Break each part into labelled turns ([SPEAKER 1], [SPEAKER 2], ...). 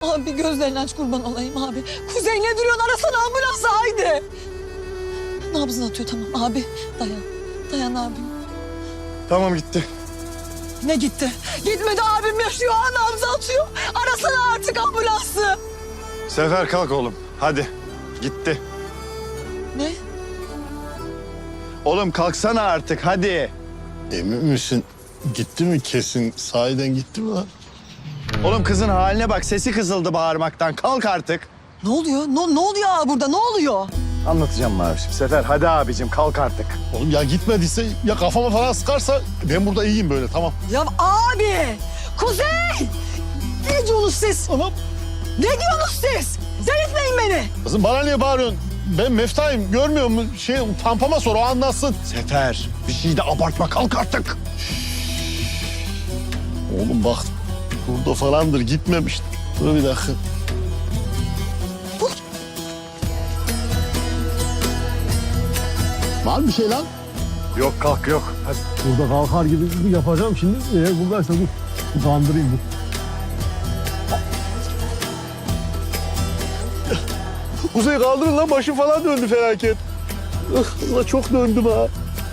[SPEAKER 1] Abi gözlerini aç kurban olayım abi. Kuzey ne duruyorsun, arasana ambulansı haydi. Nabzını atıyor tamam abi. Dayan. Dayan abim.
[SPEAKER 2] Tamam gitti.
[SPEAKER 1] Ne gitti? Gitmedi abim yaşıyor. Nabzı atıyor. Arasana artık ambulansı.
[SPEAKER 2] Sefer kalk oğlum. Hadi. Gitti.
[SPEAKER 1] Ne?
[SPEAKER 2] Oğlum kalksana artık hadi.
[SPEAKER 3] Emin misin? Gitti mi kesin? Sahiden gitti mi lan?
[SPEAKER 2] Oğlum kızın haline bak, sesi kızıldı bağırmaktan. Kalk artık.
[SPEAKER 1] Ne oluyor? Ne oluyor abi burada? Ne oluyor?
[SPEAKER 2] Anlatacağım Mavişim. Sefer hadi abicim kalk artık.
[SPEAKER 3] Oğlum ya gitmediyse ya kafama falan sıkarsa ben burada iyiyim böyle tamam.
[SPEAKER 1] Ya abi! Kuzey! Ne diyorsunuz siz?
[SPEAKER 3] Anam
[SPEAKER 1] Ne diyorsunuz siz? Delirtmeyin beni.
[SPEAKER 3] kızım bana niye bağırıyorsun? Ben Meftayım görmüyor musun? Pampama sor o anlatsın.
[SPEAKER 2] Sefer bir şey de abartma, kalk artık.
[SPEAKER 3] Oğlum bak burada falandır gitmemiş. Dur bir dakika. Var bir şey lan?
[SPEAKER 2] Yok kalk yok. Hadi.
[SPEAKER 3] Burada kalkar gibi yapacağım şimdi. Eğer buradaysa dur. Bir kandırayım dur. Kuzey kaldırın lan başım falan döndü felaket. Ulan çok döndüm ha.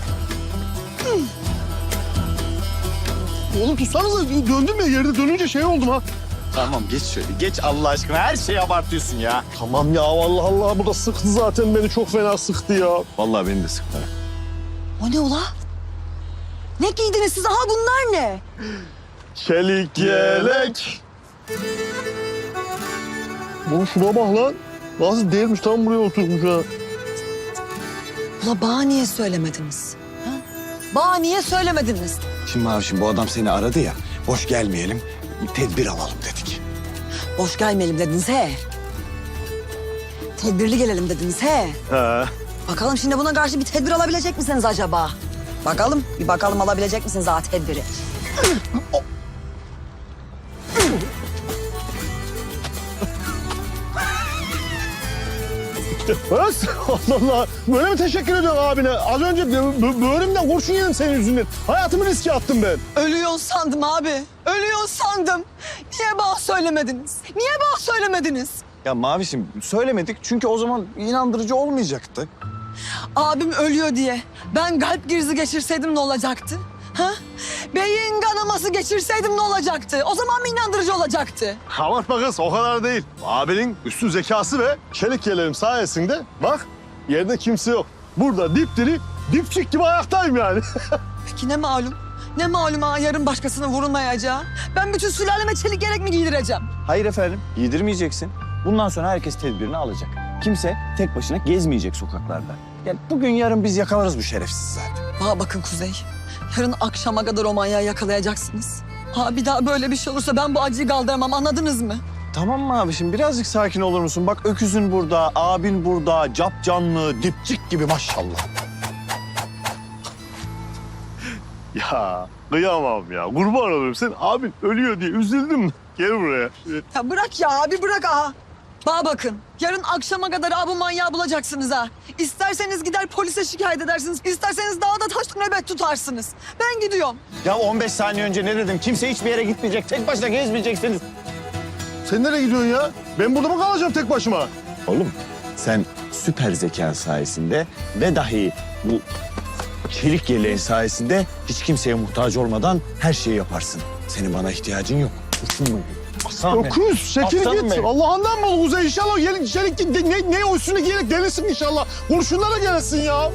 [SPEAKER 3] Oğlum tutsanıza döndüm ya yerde dönünce şey oldum ha.
[SPEAKER 2] Tamam geç şöyle. Geç Allah aşkına. Her şeyi abartıyorsun ya.
[SPEAKER 3] Tamam ya vallahi Allah burada sıktı zaten beni çok fena sıktı ya.
[SPEAKER 2] Vallahi beni de sıktı.
[SPEAKER 1] O ne ula? Ne giydiniz siz? Aha bunlar ne?
[SPEAKER 3] Çelik yelek. Oğlum şuna bak lan. Nasıl değilmiş tam buraya oturmuş ha.
[SPEAKER 1] Ula bana niye söylemediniz? Ha? Bana niye söylemediniz?
[SPEAKER 2] Şimdi Mavişim bu adam seni aradı ya. Boş gelmeyelim. Bir tedbir alalım dedik.
[SPEAKER 1] Boş gelmeyelim dediniz he. Tedbirli gelelim dediniz he.
[SPEAKER 2] He.
[SPEAKER 1] Bakalım şimdi buna karşı bir tedbir alabilecek misiniz acaba? Bakalım, bir bakalım alabilecek misiniz daha tedbiri?
[SPEAKER 3] Öz, Allah Allah. Böyle mi teşekkür ediyorsun abine? Az önce böğrümden kurşun yedim senin yüzünden. Hayatımı riske attım ben.
[SPEAKER 1] Ölüyorsun sandım abi. Ölüyorsun sandım. Niye bana söylemediniz? Niye bana söylemediniz?
[SPEAKER 2] Ya Mavişim söylemedik çünkü o zaman inandırıcı olmayacaktı.
[SPEAKER 1] Abim ölüyor diye ben kalp krizi geçirseydim ne olacaktı? Ha? Beyin kanaması geçirseydim ne olacaktı? O zaman mı inandırıcı olacaktı?
[SPEAKER 3] Abartma kız o kadar değil. Abinin üstün zekası ve çelik yeleğim sayesinde bak yerde kimse yok. Burada dipdiri dipçik gibi ayaktayım yani.
[SPEAKER 1] Peki ne malum? Ne malum ha yarın başkasına vurulmayacağı? Ben bütün sülaleme çelik yelek mi giydireceğim?
[SPEAKER 2] Hayır efendim, giydirmeyeceksin. Bundan sonra herkes tedbirini alacak. Kimse tek başına gezmeyecek sokaklarda. Yani bugün yarın biz yakalarız bu şerefsiz zaten.
[SPEAKER 1] Bana bakın Kuzey. Yarın akşama kadar o manyağı yakalayacaksınız. Ha bir daha böyle bir şey olursa ben bu acıyı kaldıramam, anladınız mı?
[SPEAKER 2] Tamam mı abiciğim? Birazcık sakin olur musun? Bak öküzün burada, abin burada, cap canlı, dipçik gibi maşallah.
[SPEAKER 3] Ya kıyamam ya kurban olurum sen abin ölüyor diye üzüldüm mü? Gel buraya.
[SPEAKER 1] Ya bırak ya abi bırak ha. Bana bakın yarın akşama kadar bu manyağı bulacaksınız ha. İsterseniz gider polise şikayet edersiniz. İsterseniz dağda taş nöbet tutarsınız. Ben gidiyorum.
[SPEAKER 2] Ya 15 saniye önce ne dedim? Kimse hiçbir yere gitmeyecek. Tek başına gezmeyeceksiniz.
[SPEAKER 3] Sen nereye gidiyorsun ya? Ben burada mı kalacağım tek başıma?
[SPEAKER 2] Oğlum sen süper zekan sayesinde ve dahi bu çelik yeleğin sayesinde hiç kimseye muhtaç olmadan her şeyi yaparsın. Senin bana ihtiyacın yok. Uçun Aslan benim.
[SPEAKER 3] Öküz çekil
[SPEAKER 2] Aslanım
[SPEAKER 3] git.
[SPEAKER 2] benim.
[SPEAKER 3] Allah'ından bol Kuzey inşallah çelik ne o üstüne giyerek gelirsin inşallah. Kurşunlara gelirsin ya.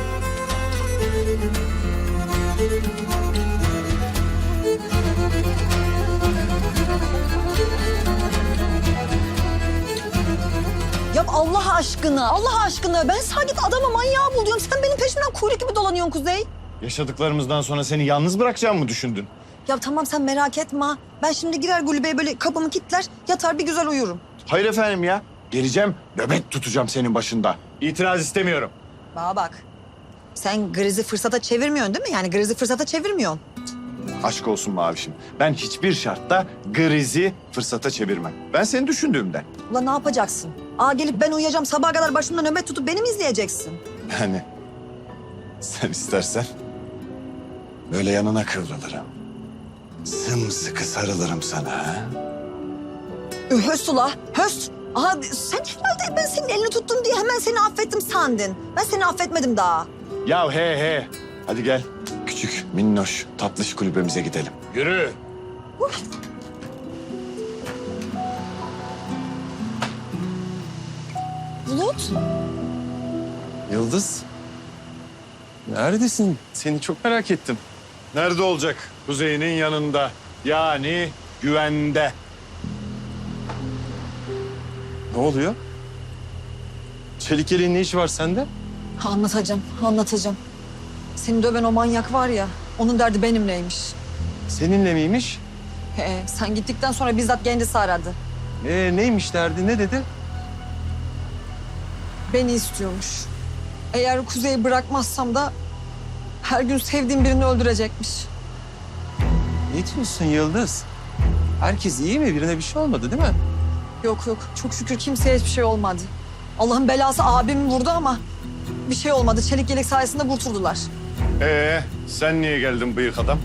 [SPEAKER 1] Ya Allah aşkına ben sana git adama manyağı bul diyorum. Sen benim peşimden kuyruk gibi dolanıyorsun Kuzey.
[SPEAKER 2] Yaşadıklarımızdan sonra seni yalnız bırakacağımı mı düşündün?
[SPEAKER 1] Ya tamam sen merak etme. Ben şimdi girer kulübeye böyle kapımı kilitler, yatar bir güzel uyurum.
[SPEAKER 2] Hayır efendim ya. Geleceğim, nöbet tutacağım senin başında. İtiraz istemiyorum.
[SPEAKER 1] Bana bak. Sen grizi fırsata çevirmiyorsun değil mi? Yani grizi fırsata çevirmiyorsun.
[SPEAKER 2] Aşk olsun Mavişim. Ben hiçbir şartta grizi fırsata çevirmem. Ben seni düşündüğümden.
[SPEAKER 1] Ulan ne yapacaksın? Gelip ben uyuyacağım sabaha kadar başımda nöbet tutup beni mi izleyeceksin?
[SPEAKER 2] Yani sen istersen böyle yanına kıvrılırım. Sımsıkı sarılırım sana. Ha?
[SPEAKER 1] Höst ula, höst. Aha sen herhalde ben senin elini tuttum diye hemen seni affettim sandın. Ben seni affetmedim daha.
[SPEAKER 2] Ya he. Hadi gel. Küçük, minnoş, tatlış kulübemize gidelim. Yürü.
[SPEAKER 1] Bulut.
[SPEAKER 4] Yıldız. Neredesin? Seni çok merak ettim.
[SPEAKER 2] Nerede olacak? Kuzey'in yanında. Yani güvende.
[SPEAKER 4] Ne oluyor? Çelik yeleğin ne işi var sende?
[SPEAKER 1] Anlatacağım. Seni döven o manyak var ya, onun derdi benimleymiş.
[SPEAKER 4] Seninle miymiş?
[SPEAKER 1] Sen gittikten sonra bizzat kendisi aradı.
[SPEAKER 4] Neymiş derdi? Ne dedi?
[SPEAKER 1] Beni istiyormuş. Eğer Kuzey'i bırakmazsam da her gün sevdiğim birini öldürecekmiş.
[SPEAKER 4] Ne diyorsun Yıldız? Herkes iyi mi? Birine bir şey olmadı değil mi?
[SPEAKER 1] Yok, çok şükür kimseye hiçbir şey olmadı. Allah'ın belası abimi vurdu ama bir şey olmadı. Çelik yelek sayesinde kurtuldular.
[SPEAKER 2] Sen niye geldin bıyık adam?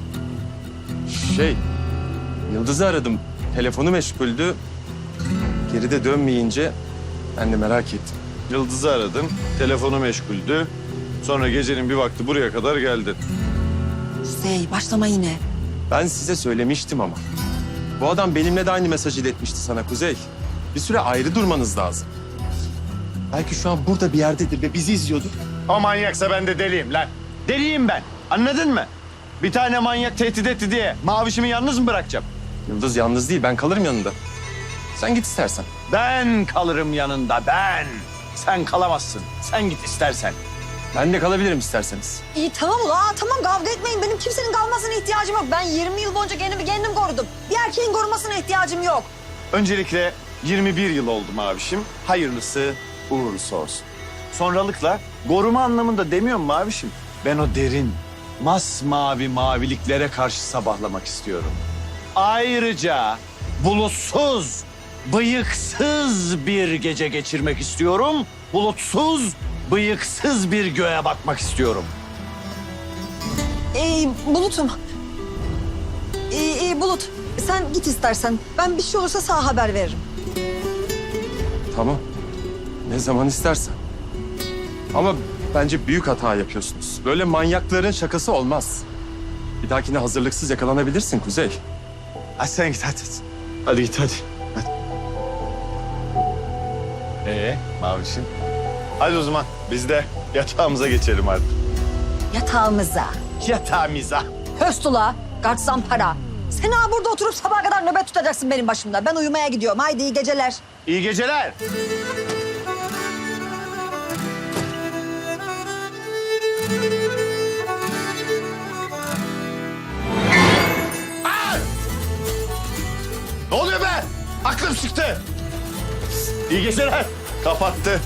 [SPEAKER 4] Yıldız'ı aradım. Telefonu meşguldü. Geri de dönmeyince ben de merak ettim.
[SPEAKER 2] Yıldız'ı aradım. Telefonu meşguldü. Sonra gecenin bir vakti buraya kadar geldin.
[SPEAKER 1] Kuzey başlama yine.
[SPEAKER 4] Ben size söylemiştim ama. Bu adam benimle de aynı mesajı iletmişti sana Kuzey. Bir süre ayrı durmanız lazım. Belki şu an burada bir yerdedir ve bizi izliyordur.
[SPEAKER 2] O manyaksa ben de deliyim lan. Deliyim ben. Anladın mı? Bir tane manyak tehdit etti diye mavişimi yalnız mı bırakacağım?
[SPEAKER 4] Yıldız yalnız değil, ben kalırım yanında. Sen git istersen.
[SPEAKER 2] Ben kalırım yanında, ben. Sen kalamazsın. Sen git istersen.
[SPEAKER 4] Ben de kalabilirim isterseniz.
[SPEAKER 1] İyi tamam tamam kavga etmeyin. Benim kimsenin kalmasına ihtiyacım yok. Ben 20 yıl boyunca kendimi kendim korudum. Bir erkeğin korumasına ihtiyacım yok.
[SPEAKER 2] Öncelikle 21 yıl oldu mavişim. Hayırlısı uğurlusu olsun. Sonralıkla koruma anlamında demiyorum mavişim. Ben o derin, masmavi maviliklere karşı sabahlamak istiyorum. Ayrıca bulutsuz, bıyıksız bir gece geçirmek istiyorum. Bulutsuz, bıyıksız bir göğe bakmak istiyorum.
[SPEAKER 1] Bulut'um. Bulut sen git istersen. Ben bir şey olursa sana haber veririm.
[SPEAKER 4] Tamam. Ne zaman istersen. Ama bence büyük hata yapıyorsunuz. Böyle manyakların şakası olmaz. Bir dahakine hazırlıksız yakalanabilirsin Kuzey.
[SPEAKER 2] Hadi sen git hadi. Hadi git hadi. Mavişim. Hadi o zaman biz de yatağımıza geçelim artık.
[SPEAKER 1] Yatağımıza.
[SPEAKER 2] Yatağımıza.
[SPEAKER 1] Höstula, gartsan para. Sen ha burada oturup sabaha kadar nöbet tutacaksın benim başımda. Ben uyumaya gidiyorum. Haydi iyi geceler.
[SPEAKER 2] İyi geceler. Ne oluyor be? Aklım çıktı. İyi geceler. Kapattı.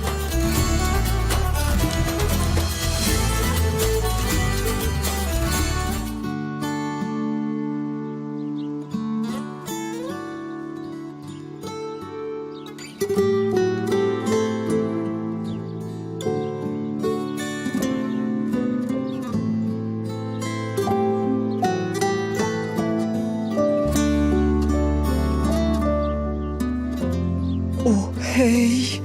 [SPEAKER 1] Oh hey.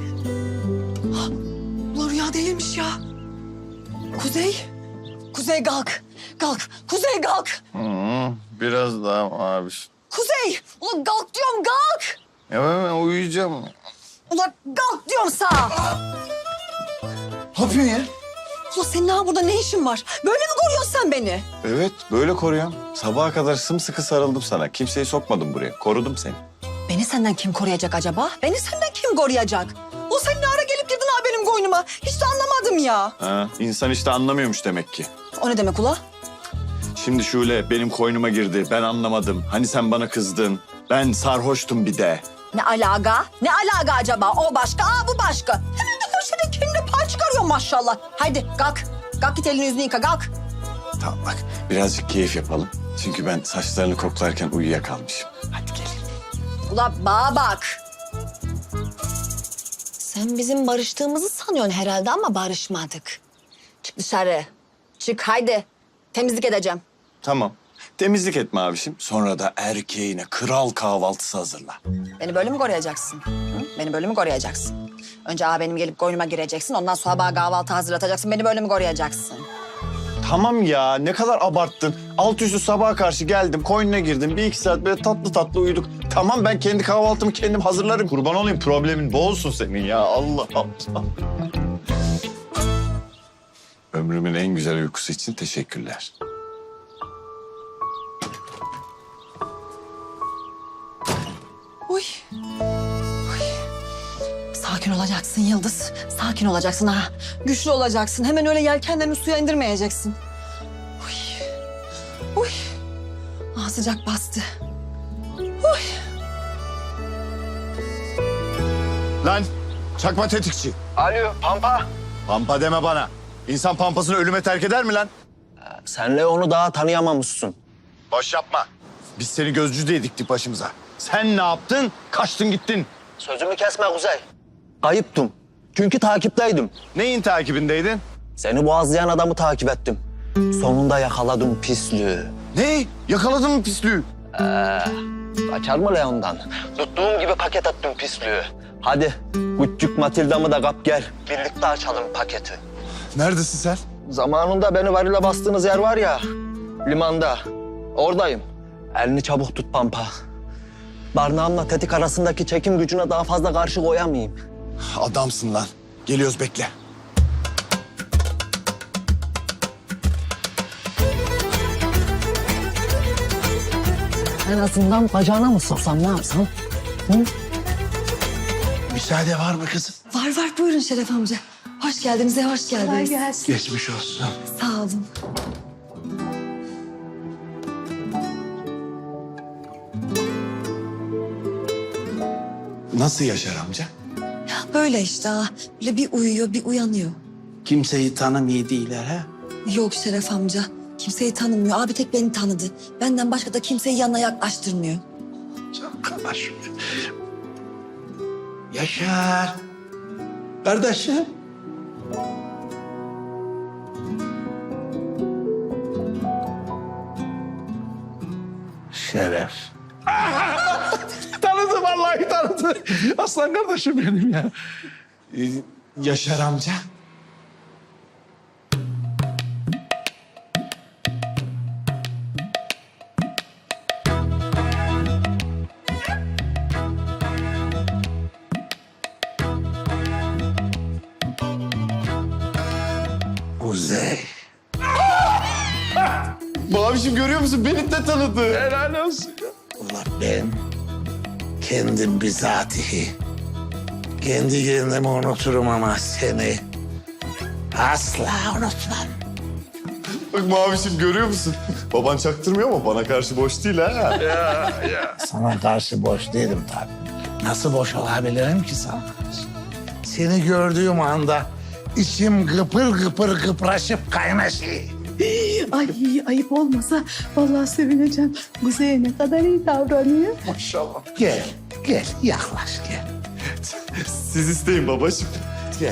[SPEAKER 1] Ulan rüya değilmiş ya. Kuzey. Kuzey kalk. Kalk. Kuzey kalk.
[SPEAKER 3] Biraz daha abi.
[SPEAKER 1] Kuzey. Ulan kalk diyorum kalk.
[SPEAKER 3] Ya ben uyuyacağım.
[SPEAKER 1] Ulan kalk diyorum sana.
[SPEAKER 2] Ne yapıyorsun ya?
[SPEAKER 1] Ulan senin ha burada ne işin var? Böyle mi koruyorsun sen beni?
[SPEAKER 2] Evet, böyle koruyorum. Sabaha kadar sımsıkı sarıldım sana. Kimseyi sokmadım buraya. Korudum seni.
[SPEAKER 1] Beni senden kim koruyacak acaba? Beni senden kim koruyacak? O sen ne ara gelip girdin ha benim koynuma? Hiç de anlamadım ya.
[SPEAKER 2] Ha, insan işte anlamıyormuş demek ki.
[SPEAKER 1] O ne demek ula?
[SPEAKER 2] Şimdi Şule benim koynuma girdi. Ben anlamadım. Hani sen bana kızdın. Ben sarhoştum bir de.
[SPEAKER 1] Ne alaka? Ne alaka acaba? O başka, bu başka. Hemen de köşede kendine pay çıkarıyor maşallah. Haydi kalk. Kalk git elini yüzünü yıka kalk.
[SPEAKER 2] Tamam bak birazcık keyif yapalım. Çünkü ben saçlarını koklarken uyuyakalmışım. Hadi gelin.
[SPEAKER 1] Ula bana bak. Sen bizim barıştığımızı sanıyorsun herhalde ama barışmadık. Çık dışarı. Çık haydi. Temizlik edeceğim.
[SPEAKER 2] Tamam. Temizlik etme abişim. Sonra da erkeğine kral kahvaltısı hazırla.
[SPEAKER 5] Beni böyle mi koruyacaksın? Hı? Beni böyle mi koruyacaksın? Önce benim gelip koynuma gireceksin. Ondan sonra bana kahvaltı hazırlatacaksın. Beni böyle mi koruyacaksın?
[SPEAKER 2] Tamam ya, ne kadar abarttın. Alt üstü sabaha karşı geldim, koynuna girdim. 1-2 saat böyle tatlı tatlı uyuduk. Tamam, ben kendi kahvaltımı kendim hazırlarım. Kurban olayım, problemin bu olsun senin ya. Allah Allah. Ömrümün en güzel uykusu için teşekkürler.
[SPEAKER 5] Uy. Sakin olacaksın Yıldız. Sakin olacaksın ha.
[SPEAKER 1] Güçlü olacaksın. Hemen öyle yelkenlerini suya indirmeyeceksin.
[SPEAKER 5] Uy. Uy. Ah, sıcak bastı.
[SPEAKER 2] Lan çakma tetikçi.
[SPEAKER 6] Alo Pampa.
[SPEAKER 2] Pampa deme bana. İnsan pampasını ölüme terk eder mi lan?
[SPEAKER 6] Senle onu daha tanıyamamışsın.
[SPEAKER 2] Boş yapma. Biz seni gözcü diye diktik başımıza. Sen ne yaptın? Kaçtın gittin.
[SPEAKER 6] Sözümü kesme Kuzey. Kayıptım. Çünkü takipteydim.
[SPEAKER 2] Neyin takibindeydin?
[SPEAKER 6] Seni boğazlayan adamı takip ettim. Sonunda yakaladım pislüğü.
[SPEAKER 2] Ne? Yakaladın mı pislüğü?
[SPEAKER 6] Kaçar mı Leon'dan? Tuttuğum gibi paket attım pislüğü. Hadi küçük Matilda'mı da kap gel. Birlikte açalım paketi.
[SPEAKER 2] Neredesin sen?
[SPEAKER 6] Zamanında beni varile bastığınız yer var ya, limanda. Oradayım. Elini çabuk tut Pampa. Barnağımla tetik arasındaki çekim gücüne daha fazla karşı koyamayayım.
[SPEAKER 2] Adamsın lan. Geliyoruz, bekle.
[SPEAKER 6] En azından bacağına mı soksam, ne yapsam?
[SPEAKER 7] Müsaade var mı kızım?
[SPEAKER 1] Var var, buyurun Şeref amca. Hoş geldiniz, hoş geldiniz.
[SPEAKER 7] Geçmiş olsun.
[SPEAKER 1] Sağ olun.
[SPEAKER 2] Nasıl Yaşar amca?
[SPEAKER 1] Ya böyle işte ha. Böyle bir uyuyor, bir uyanıyor.
[SPEAKER 7] Kimseyi tanımıyor değiller ha?
[SPEAKER 1] Yok Şeref amca. Kimseyi tanımıyor. Abi tek beni tanıdı. Benden başka da kimseyi yanına yaklaştırmıyor.
[SPEAKER 7] Arkadaş. Yaşar. Kardeşim. Şeref. Tanıdı vallahi tanıdı. Aslan kardeşim benim ya.
[SPEAKER 2] Yaşar amca.
[SPEAKER 7] Kuzey.
[SPEAKER 2] Mavişim görüyor musun? Beni de tanıdı.
[SPEAKER 7] Helal olsun. Ulan ben kendim bizatihi kendi kendimi unuturum ama seni asla unutmam.
[SPEAKER 2] Bak Mavişim görüyor musun? Baban çaktırmıyor ama bana karşı boş değil ha.
[SPEAKER 7] Sana karşı boş değilim tabii. Nasıl boş olabilirim ki sana karşı? Seni gördüğüm anda içim gıpır gıpır gıpraşıp kaynaşıyor.
[SPEAKER 8] Ay ayıp olmasa vallahi sevineceğim. Kuzey'e ne kadar iyi davranıyor.
[SPEAKER 7] Maşallah. Gel, gel yaklaş gel.
[SPEAKER 2] Siz isteyin babacığım.
[SPEAKER 7] Gel.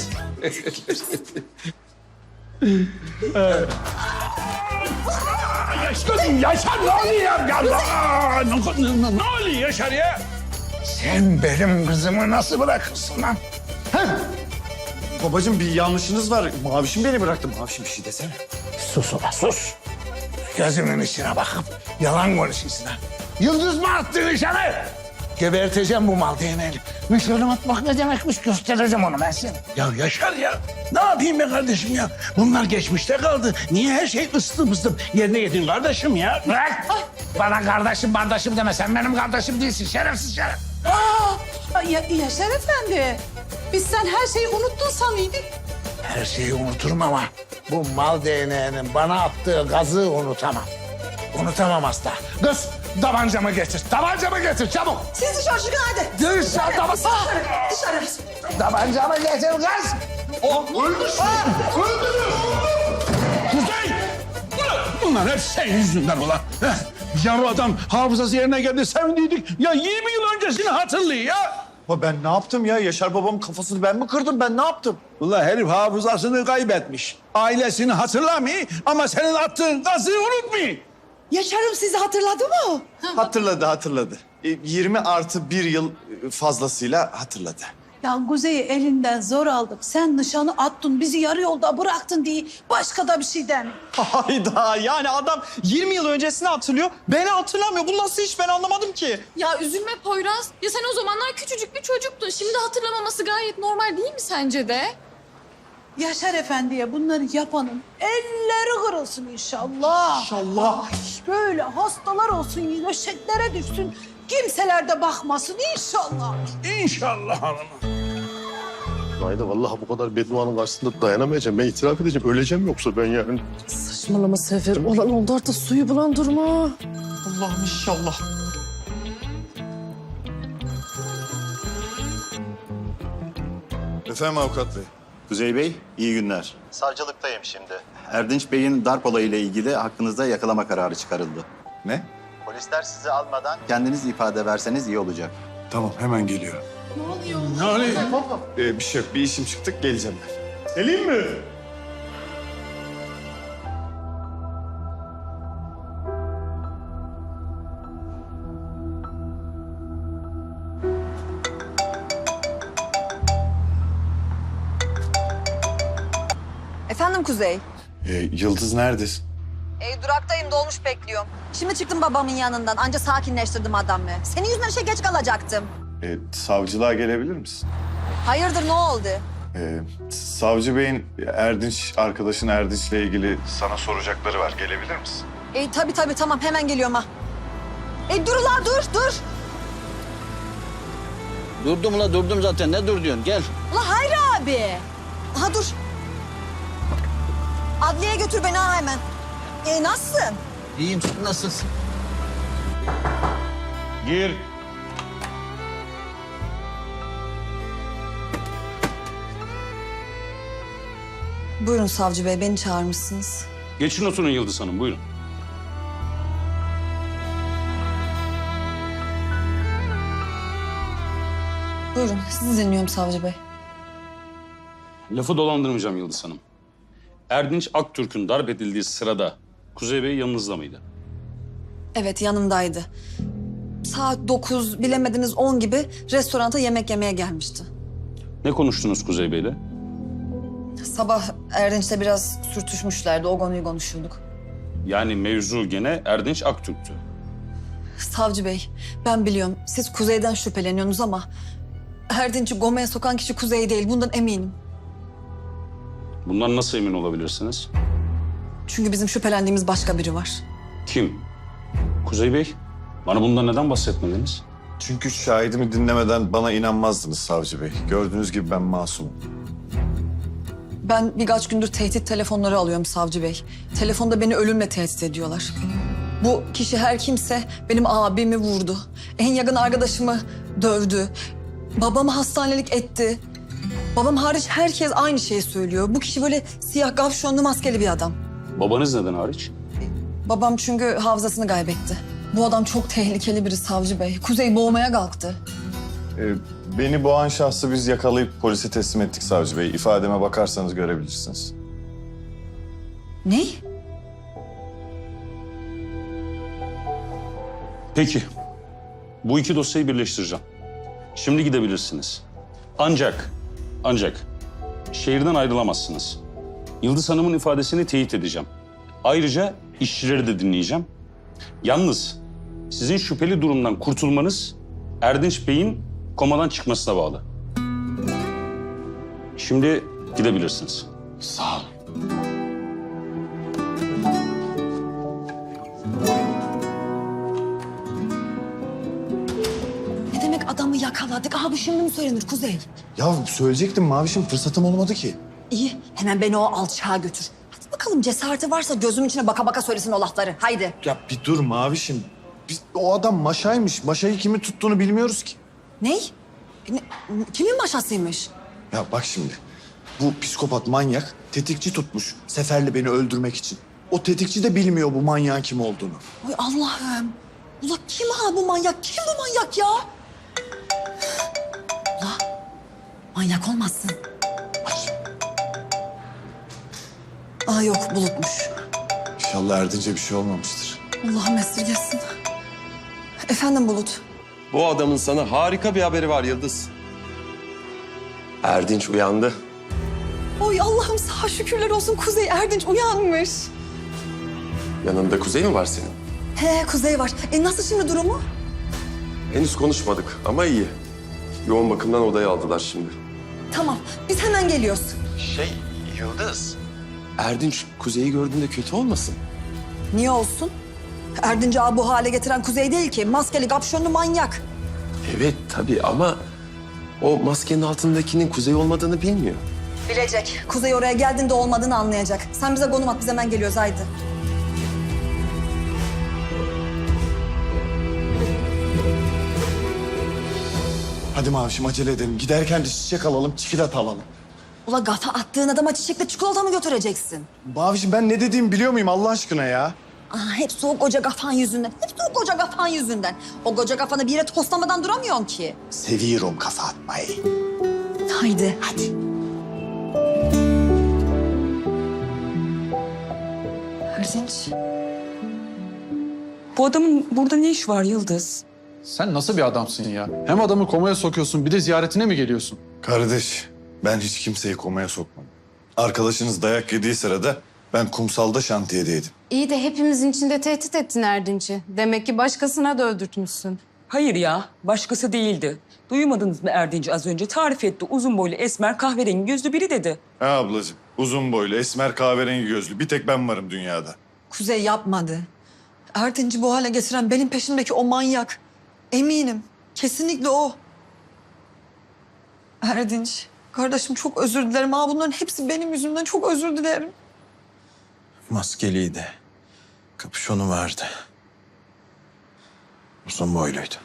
[SPEAKER 9] Yaşar ne oluyor ya? Ne oluyor Yaşar ya?
[SPEAKER 7] Sen benim kızımı nasıl bırakırsın lan?
[SPEAKER 2] Babacığım bir yanlışınız var. Mavişim beni bıraktı. Mavişim bir şey desene.
[SPEAKER 7] Sus ulan sus. Gözümün içine bakıp yalan konuşuyorsun ha. Yıldız mı attı nişanı? Geberteceğim bu mal değneğini. Nişanı atmak ne demekmiş göstereceğim onu ben sana.
[SPEAKER 9] Ya Yaşar ya. Ne yapayım be kardeşim ya? Bunlar geçmişte kaldı. Niye her şey ıstım ıstım yerine yedin kardeşim ya?
[SPEAKER 7] Bırak. Bana kardeşim deme. Sen benim kardeşim değilsin. Şerefsiz şeref.
[SPEAKER 8] Yaşar Efendi. Biz sen her şeyi unuttun sanıyorduk.
[SPEAKER 7] Her şeyi unuturum ama bu mal değneğinin bana attığı gazı unutamam. Unutamam asla. Kız tabancamı getir. Tabancamı getir çabuk.
[SPEAKER 1] Siz dışarı çıkın hadi.
[SPEAKER 7] Dışarı tabancamı.
[SPEAKER 1] Dışarı.
[SPEAKER 7] Tabancamı getir kız.
[SPEAKER 9] Kuzey! Bunlar hep senin yüzünden ulan. Ya bu adam hafızası yerine geldi sevindiydik. Ya 20 yıl öncesini hatırlıyor ya.
[SPEAKER 2] Ama ben ne yaptım ya? Yaşar babamın kafasını ben mi kırdım? Ben ne yaptım?
[SPEAKER 9] Ulan herif hafızasını kaybetmiş. Ailesini hatırlamıyor ama senin attığın gazı unutmuyor.
[SPEAKER 8] Yaşar'ım sizi hatırladı mı?
[SPEAKER 2] Hatırladı. 20 artı 1 yıl fazlasıyla hatırladı.
[SPEAKER 8] Ya Kuzey'i elinden zor aldık. Sen nişanı attın, bizi yarı yolda bıraktın diye başka da bir şey deme.
[SPEAKER 10] Hayda yani adam 20 yıl öncesini hatırlıyor. Beni hatırlamıyor. Bu nasıl iş ben anlamadım ki.
[SPEAKER 11] Ya üzülme Poyraz. Ya sen o zamanlar küçücük bir çocuktun. Şimdi hatırlamaması gayet normal değil mi sence de?
[SPEAKER 8] Yaşar Efendi'ye bunları yapanın elleri kırılsın inşallah.
[SPEAKER 10] İnşallah.
[SPEAKER 8] Ay, böyle hastalar olsun, döşeklere düşsün. Kimseler de bakmasın inşallah.
[SPEAKER 9] İnşallah hanımım.
[SPEAKER 3] Hayda vallahi bu kadar bedduanın karşısında dayanamayacağım. Ben itiraf edeceğim. Öleceğim yoksa ben yani.
[SPEAKER 12] Saçmalama Sefer. Olan oldu artık suyu bulandırma.
[SPEAKER 10] Allah'ım inşallah.
[SPEAKER 13] Efendim avukat bey. Kuzey Bey, iyi günler. Savcılıktayım şimdi. Erdinç Bey'in darp olayıyla ilgili hakkınızda yakalama kararı çıkarıldı.
[SPEAKER 2] Ne?
[SPEAKER 13] Polisler sizi almadan kendiniz ifade verseniz iyi olacak.
[SPEAKER 2] Tamam hemen geliyor.
[SPEAKER 9] Ne oluyor?
[SPEAKER 2] Bir şey yok. Bir işim çıktı. Geleceğim ben.
[SPEAKER 3] Geleyim mi?
[SPEAKER 5] Efendim Kuzey?
[SPEAKER 2] Yıldız neredesin?
[SPEAKER 5] Duraktayım, dolmuş bekliyorum. Şimdi çıktım babamın yanından. Anca sakinleştirdim adamı. Senin yüzünden işe geç kalacaktım.
[SPEAKER 2] Savcılığa gelebilir misin?
[SPEAKER 5] Hayırdır, ne oldu?
[SPEAKER 2] Savcı Bey'in Erdinç, arkadaşın Erdinç'le ilgili sana soracakları var. Gelebilir misin?
[SPEAKER 5] Tabii tamam, hemen geliyorum ha. Dur la, dur.
[SPEAKER 6] Durdum zaten. Ne dur diyorsun? Gel.
[SPEAKER 5] La Hayri abi. Aha dur. Adliyeye götür beni ha hemen. Nasılsın?
[SPEAKER 6] İyiyim. Sen nasılsın?
[SPEAKER 9] Gir.
[SPEAKER 5] Buyurun savcı bey, beni çağırmışsınız.
[SPEAKER 9] Geçin oturun Yıldız Hanım, buyurun.
[SPEAKER 5] Buyurun, sizi dinliyorum savcı bey.
[SPEAKER 9] Lafı dolandırmayacağım Yıldız Hanım. Erdinç Aktürk'ün darp edildiği sırada Kuzey Bey yanınızda mıydı?
[SPEAKER 5] Evet, yanımdaydı. Saat 9, bilemediniz 10 gibi restoranta yemek yemeye gelmişti.
[SPEAKER 9] Ne konuştunuz Kuzey Bey'le?
[SPEAKER 5] Sabah Erdinç'le biraz sürtüşmüşlerdi, o konuyu konuşuyorduk.
[SPEAKER 9] Yani mevzu gene Erdinç Aktürk'tü.
[SPEAKER 5] Savcı bey, ben biliyorum siz Kuzey'den şüpheleniyorsunuz ama... Erdinç'i Gome'ye sokan kişi Kuzey değil, bundan eminim.
[SPEAKER 9] Bundan nasıl emin olabilirsiniz?
[SPEAKER 5] Çünkü bizim şüphelendiğimiz başka biri var.
[SPEAKER 9] Kim? Kuzey Bey, bana bundan neden bahsetmediniz?
[SPEAKER 2] Çünkü şahidimi dinlemeden bana inanmazdınız savcı bey. Gördüğünüz gibi ben masumum.
[SPEAKER 5] Ben birkaç gündür tehdit telefonları alıyorum savcı bey. Telefonda beni ölümle tehdit ediyorlar. Bu kişi her kimse benim abimi vurdu. En yakın arkadaşımı dövdü. Babamı hastanelik etti. Babam hariç herkes aynı şeyi söylüyor. Bu kişi böyle siyah gavşonlu maskeli bir adam.
[SPEAKER 9] Babanız neden hariç?
[SPEAKER 5] Babam çünkü hafızasını kaybetti. Bu adam çok tehlikeli biri savcı bey. Kuzey boğmaya kalktı.
[SPEAKER 2] Beni boğan şahsı biz yakalayıp polise teslim ettik savcı bey. İfademe bakarsanız görebilirsiniz.
[SPEAKER 5] Ne?
[SPEAKER 9] Peki, bu iki dosyayı birleştireceğim. Şimdi gidebilirsiniz. Ancak şehirden ayrılamazsınız. Yıldız Hanım'ın ifadesini teyit edeceğim. Ayrıca işçileri de dinleyeceğim. Yalnız sizin şüpheli durumdan kurtulmanız Erdinç Bey'in komadan çıkmasına bağlı. Şimdi gidebilirsiniz.
[SPEAKER 2] Sağ ol.
[SPEAKER 5] Ne demek adamı yakaladık? Aha bu şimdi mi söylenir Kuzey?
[SPEAKER 2] Ya söyleyecektim Mavişim, fırsatım olmadı ki.
[SPEAKER 5] İyi, hemen beni o alçağa götür. Hadi bakalım cesareti varsa gözüm içine baka baka söylesin o lafları. Haydi.
[SPEAKER 2] Ya bir dur Mavişim. O adam maşaymış. Maşayı kimin tuttuğunu bilmiyoruz ki.
[SPEAKER 5] Ney? Kimin maşasıymış?
[SPEAKER 2] Ya bak şimdi. Bu psikopat manyak tetikçi tutmuş Sefer'le beni öldürmek için. O tetikçi de bilmiyor bu manyağın kim olduğunu.
[SPEAKER 5] Ay Allah'ım. Ula kim ha bu manyak? Kim bu manyak ya? Ula manyak olmazsın. Aa yok Bulut'muş.
[SPEAKER 2] İnşallah Erdinç'e bir şey olmamıştır.
[SPEAKER 5] Allah'ım esirgesin. Efendim Bulut.
[SPEAKER 4] Bu adamın sana harika bir haberi var Yıldız. Erdinç uyandı.
[SPEAKER 5] Oy Allah'ım sağ şükürler olsun Kuzey Erdinç uyanmış.
[SPEAKER 4] Yanında Kuzey mi var senin?
[SPEAKER 5] He Kuzey var. Nasıl şimdi durumu?
[SPEAKER 4] Henüz konuşmadık ama iyi. Yoğun bakımdan odaya aldılar şimdi.
[SPEAKER 5] Tamam biz hemen geliyoruz.
[SPEAKER 4] Yıldız. Erdinç Kuzey'i gördüğünde kötü olmasın?
[SPEAKER 5] Niye olsun? Erdinç'i bu hale getiren Kuzey değil ki. Maskeli kapşonlu manyak.
[SPEAKER 4] Evet tabii ama o maskenin altındakinin Kuzey olmadığını bilmiyor.
[SPEAKER 5] Bilecek. Kuzey oraya geldiğinde olmadığını anlayacak. Sen bize konum at biz hemen geliyoruz haydi.
[SPEAKER 2] Hadi Mavişim acele edelim. Giderken de çiçek alalım, çikolata alalım.
[SPEAKER 5] Ula gafa attığın adama çiçekle çikolata mı götüreceksin?
[SPEAKER 2] Mavişim ben ne dediğimi biliyor muyum Allah aşkına ya?
[SPEAKER 5] Hepsi o koca kafan yüzünden. Hepsi o koca kafan yüzünden. O koca kafanı bir yere toslamadan duramıyorsun ki.
[SPEAKER 2] Seviyorum kafa atmayı.
[SPEAKER 5] Haydi. Hadi. Erdinç.
[SPEAKER 14] Bu adamın burada ne iş var Yıldız?
[SPEAKER 15] Sen nasıl bir adamsın ya? Hem adamı komaya sokuyorsun bir de ziyaretine mi geliyorsun?
[SPEAKER 3] Kardeş, ben hiç kimseyi komaya sokmam. Arkadaşınız dayak yediği sırada ben kumsalda şantiyedeydim.
[SPEAKER 16] İyi de hepimizin içinde tehdit ettin Erdinç'i. Demek ki başkasına da öldürtmüşsün.
[SPEAKER 14] Hayır ya, başkası değildi. Duymadınız mı Erdinç'i az önce? Tarif etti. Uzun boylu, esmer, kahverengi gözlü biri dedi.
[SPEAKER 3] Ha ablacığım, uzun boylu, esmer kahverengi gözlü. Bir tek ben varım dünyada.
[SPEAKER 5] Kuzey yapmadı. Erdinç'i bu hale getiren benim peşimdeki o manyak. Eminim. Kesinlikle o. Erdinç. Kardeşim çok özür dilerim. Bunların hepsi benim yüzümden. Çok özür dilerim.
[SPEAKER 2] Maskeliydi. Kapüşonu vardı. Uzun boyluydu.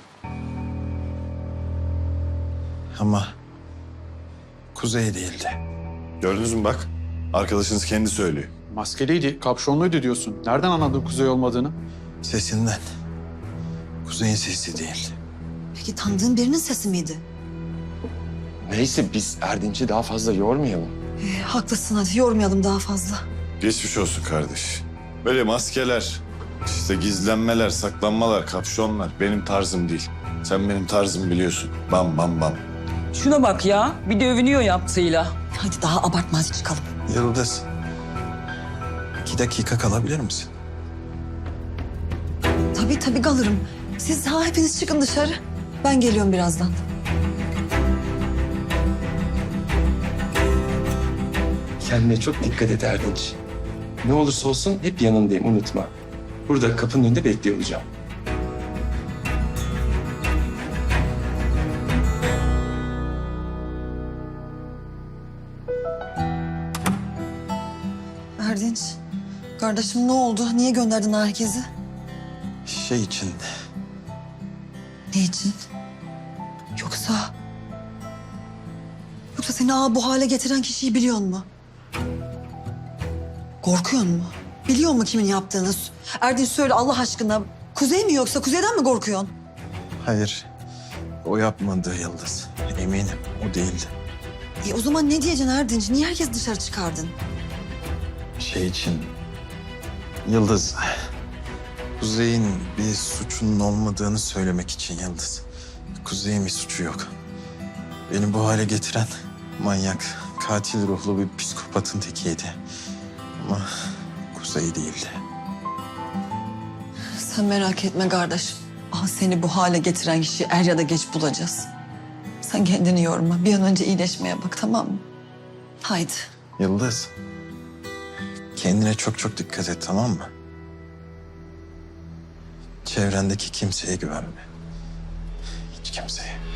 [SPEAKER 2] Ama Kuzey değildi.
[SPEAKER 3] Gördünüz mü bak? Arkadaşınız kendi söylüyor.
[SPEAKER 15] Maskeliydi, kapşonluydu diyorsun. Nereden anladın Kuzey olmadığını?
[SPEAKER 2] Sesinden. Kuzey'in sesi değil.
[SPEAKER 5] Peki tanıdığın birinin sesi miydi?
[SPEAKER 4] Neyse biz Erdinç'i daha fazla yormayalım.
[SPEAKER 5] Haklısın hadi yormayalım daha fazla.
[SPEAKER 3] Geçmiş olsun kardeş. Böyle maskeler, işte gizlenmeler, saklanmalar, kapşonlar benim tarzım değil. Sen benim tarzımı biliyorsun. Bam bam bam.
[SPEAKER 14] Şuna bak ya, bir de övünüyor yaptığıyla.
[SPEAKER 5] Hadi daha abartma hadi çıkalım.
[SPEAKER 2] Yıldız. 2 dakika kalabilir misin?
[SPEAKER 5] Tabii kalırım. Siz hepiniz çıkın dışarı. Ben geliyorum birazdan.
[SPEAKER 4] Kendine çok dikkat et Erdinç. Ne olursa olsun hep yanındayım unutma. Burada kapının önünde bekliyor olacağım.
[SPEAKER 5] Erdinç. Kardeşim ne oldu? Niye gönderdin herkesi?
[SPEAKER 2] Şey için.
[SPEAKER 5] Ne için? Yoksa... Yoksa seni bu hale getiren kişiyi biliyor mu? Korkuyor mu? Biliyor mu kimin yaptığını? Erdinç söyle Allah aşkına. Kuzey mi yoksa Kuzey'den mi korkuyorsun?
[SPEAKER 2] Hayır. O yapmadı Yıldız. Eminim o değildi.
[SPEAKER 5] O zaman ne diyeceksin Erdinç? Niye herkes dışarı çıkardın?
[SPEAKER 2] Şey için. Yıldız. Kuzey'in bir suçunun olmadığını söylemek için Yıldız. Kuzey'in bir suçu yok. Beni bu hale getiren manyak, katil ruhlu bir psikopatın tekiydi. Ama Kuzey değildi.
[SPEAKER 5] Sen merak etme kardeşim. Seni bu hale getiren kişiyi er ya da geç bulacağız. Sen kendini yorma. Bir an önce iyileşmeye bak tamam mı? Haydi.
[SPEAKER 2] Yıldız. Kendine çok dikkat et tamam mı? Çevrendeki kimseye güvenme. Hiç kimseye.